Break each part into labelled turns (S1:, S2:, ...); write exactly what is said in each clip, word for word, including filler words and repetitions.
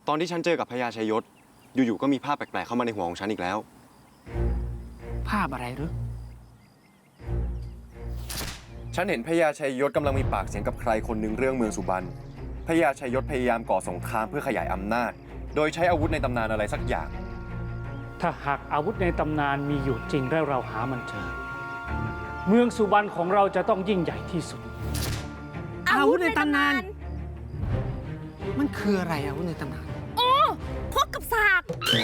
S1: ตอนที่ฉันเจอกับพญาชัยยศอยู่ๆก็มีภาพแปลกๆเข้ามาในหัวของฉันอีกแล้ว
S2: ภาพอะไรหรือ
S1: ฉันเห็นพญาชัยยศกำลังมีปากเสียงกับใครคนหนึ่งเรื่องเมืองสุบรรณพญาชัยยศพยายามก่อสงครามเพื่อขยายอำนาจโดยใช้อาวุธในตำนานอะไรสักอย่าง
S2: ถ้าหากอาวุธในตำนานมีอยู่จริงและเราหามันเจอเมืองสุบรรณของเราจะต้องยิ่งใหญ่ที่สุด
S3: อาวุธในตำนาน
S2: มันคืออะไรอาวุธในตำนาน
S3: โอ้คกกับสาก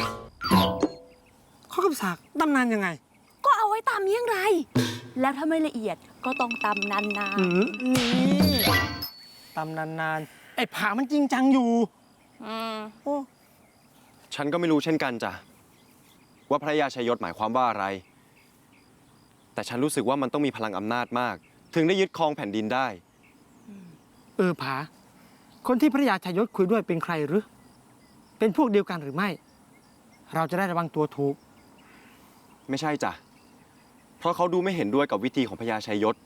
S2: ข้อกับสากตำนานยังไง
S3: ก็เอาไว้ตำเยี่ยงไรแล้วถ้าไม่ละเอียดก็ต้องตำนานๆ
S2: นี่ตำนานๆไอ้ผามันจริงจังอยู่
S3: อืม
S2: โอ้
S1: ฉันก็ไม่รู้เช่นกันจ้ะว่าพระยาชัยยศหมายความว่าอะไรแต่ฉันรู้สึกว่ามันต้องมีพลังอำนาจมากถึงได้ยึดครองแผ่นดินได้
S2: เออผาคนที่พระยาชัยยศคุยด้วยเป็นใครหรือเป็นพวกเดียวกันหรือไม่เราจะได้ระวังตัวถูก
S1: ไม่ใช่จ้ะเพราะเขาดูไม่เห็นด้วยกับวิธีของพญาชัยยศ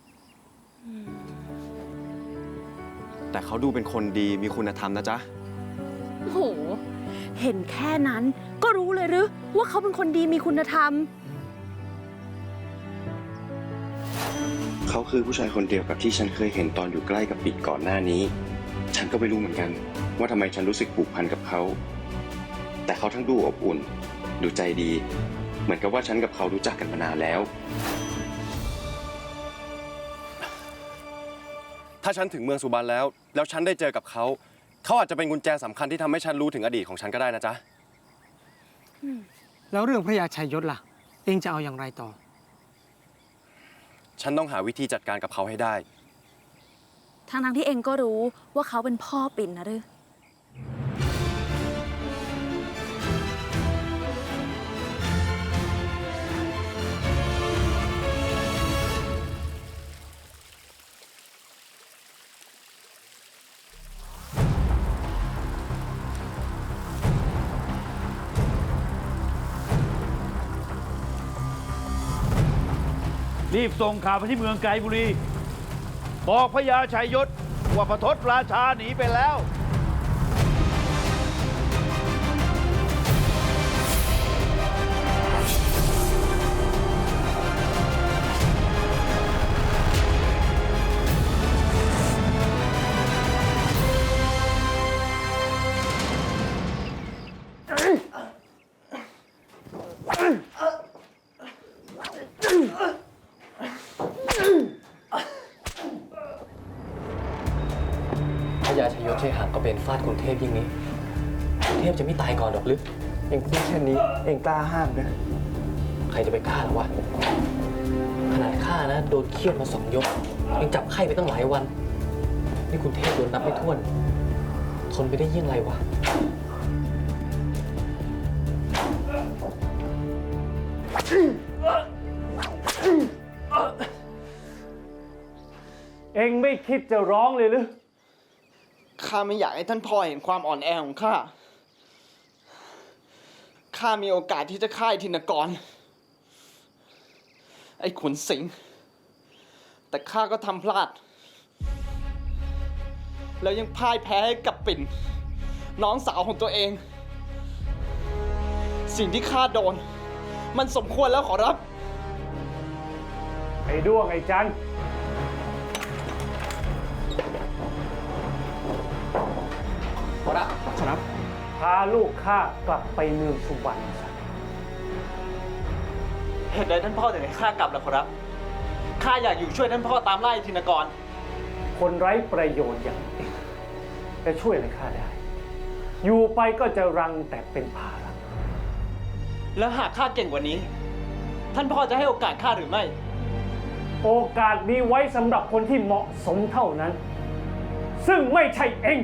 S1: แต่เขาดูเป็นคนดีมีคุณธรรมนะจ๊ะ
S3: โหเห็นแค่นั้นก็รู้เลยหรือว่าเขาเป็นคนดีมีคุณธรรม
S1: เขาคือผู้ชายคนเดียวกับที่ฉันเคยเห็นตอนอยู่ใกล้กับปิดก่อนหน้านี้ฉันก็ไม่รู้เหมือนกันว่าทำไมฉันรู้สึกผูกพันกับเขาแต่เขาทั้งดูอบอุ่นดูใจดีเหมือนกับว่าฉันกับเขารู้จักกันมานานแล้วถ้าฉันถึงเมืองสุบรรณแล้วแล้วฉันได้เจอกับเขาเขาอาจจะเป็นกุญแจสำคัญที่ทำให้ฉันรู้ถึงอดีตของฉันก็ได้นะจ๊ะ
S2: แล้วเรื่องพระยาชัยยศล่ะเองจะเอาอย่างไรต่อ
S1: ฉันต้องหาวิธีจัดการกับเขาให้ได้
S3: ทั้งทั้งที่เองก็รู้ว่าเขาเป็นพ่อปิ่นนะหรือ
S4: รีบส่งข่าวไปที่เมืองไกลบุรีบอกพญาชัยยศว่าพระทศราชาหนีไปแล้ว
S5: พญาชัยยศใช้หางก็เป็นฟาดกรุงเทพยิ่งนี้กรุงเทพจะไม่ตายก่อนหรอกหรือ
S2: เองพูดแค่นี้เองกล้าห้ามนะ
S5: ใครจะไปกล้าหรอวะขนาดข้านะโดนเคี่ยนมาสองยกยังจับไข้ไปตั้งหลายวันนี่กรุงเทพโดนนับไม่ถ้วนทนไปได้ยิ่งไรวะ
S2: เองไม่คิดจะร้องเลยหรือ
S6: ข้าไม่อยากให้ท่านพ่อเห็นความอ่อนแอของข้า ข้ามีโอกาสที่จะฆ่าทินกร ไอ้ขุนสิงห์แต่ข้าก็ทำพลาด แล้วยังพ่ายแพ้ให้กับปิ่น น้องสาวของตัวเอง สิ่งที่ข้าโดน มันสมควรแล้วขอรับ
S2: ไอ้ด้วงไอ้จัน
S5: ขอรับขอรับ
S2: พาลูกข้ากลับไปเมืองสุวรรณซะ
S6: เหตุใดท่านพ่อถึงให้ข้ากลับล่ะขอรับ ข้าอยากอยู่ช่วยท่านพ่อตามไล่ทินกร
S2: คนไร้ประโยชน์อย่างเองจะช่วยอะไรข้าได้ อยู่ไปก็จะรังแต่เป็นภาระ
S6: แล้วหากข้าเก่งกว่านี้ ท่านพ่อจะให้โอกาสข้าหรือไม่
S2: โอกาสมีไว้สำหรับคนที่เหมาะสมเท่านั้น ซึ่งไม่ใช่เอง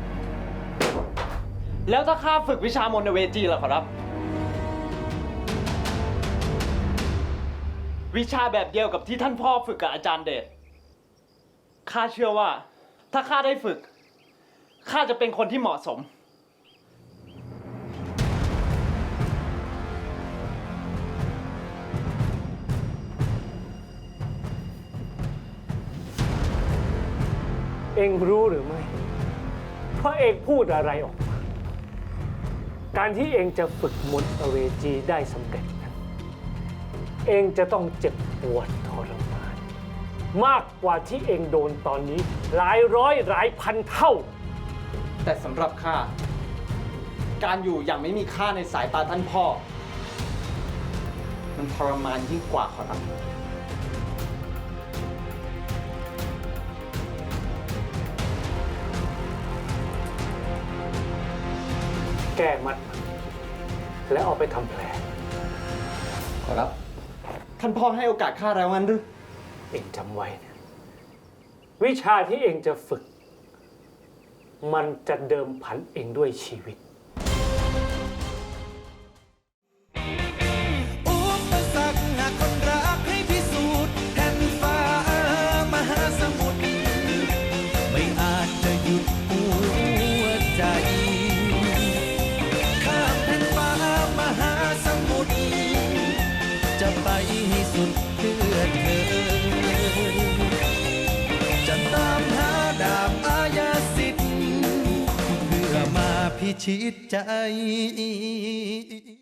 S6: แล้วถ้าข้าฝึกวิชามนต์เวจีล่ะขอรับ วิชาแบบเดียวกับที่ท่านพ่อฝึกกับอาจารย์เดช ข้าเชื่อว่าถ้าข้าได้ฝึก ข้าจะเป็นคนที่เหมาะสม
S2: เองรู้หรือไม่ว่าเองพูดอะไรออกมา
S7: การที่เองจะฝึกมนต์อเวจีได้สำเร็จนั้นเองจะต้องเจ็บปวดทรมานมากกว่าที่เองโดนตอนนี้หลายร้อยหลายพันเท่า
S6: แต่สำหรับข้า การอยู่อย่างไม่มีค่าในสายตาท่านพ่อ มันทรมานยิ่งกว่าขอรับ
S7: แก้มัดมันแล้วเอาไปทำแผล
S6: ขอรับ ท่านพ่อให้โอกาสข้าแล้วงั้นหรือ
S7: เองจำไว้นะวิชาที่เองจะฝึก มันจะเดิมพันเองด้วยชีวิต
S8: อุปสรรคหากคนรักให้พิสูจน์แผ่นฟ้ามหาสมุทรไม่อาจจะหยุดหัวใจข้ามแผ่นฟ้ามหาสมุทรจะไปให้สุดเพื่อเธอจะตามหาดาบอาญาสิทธิ์เพื่อมาพิชิตใจ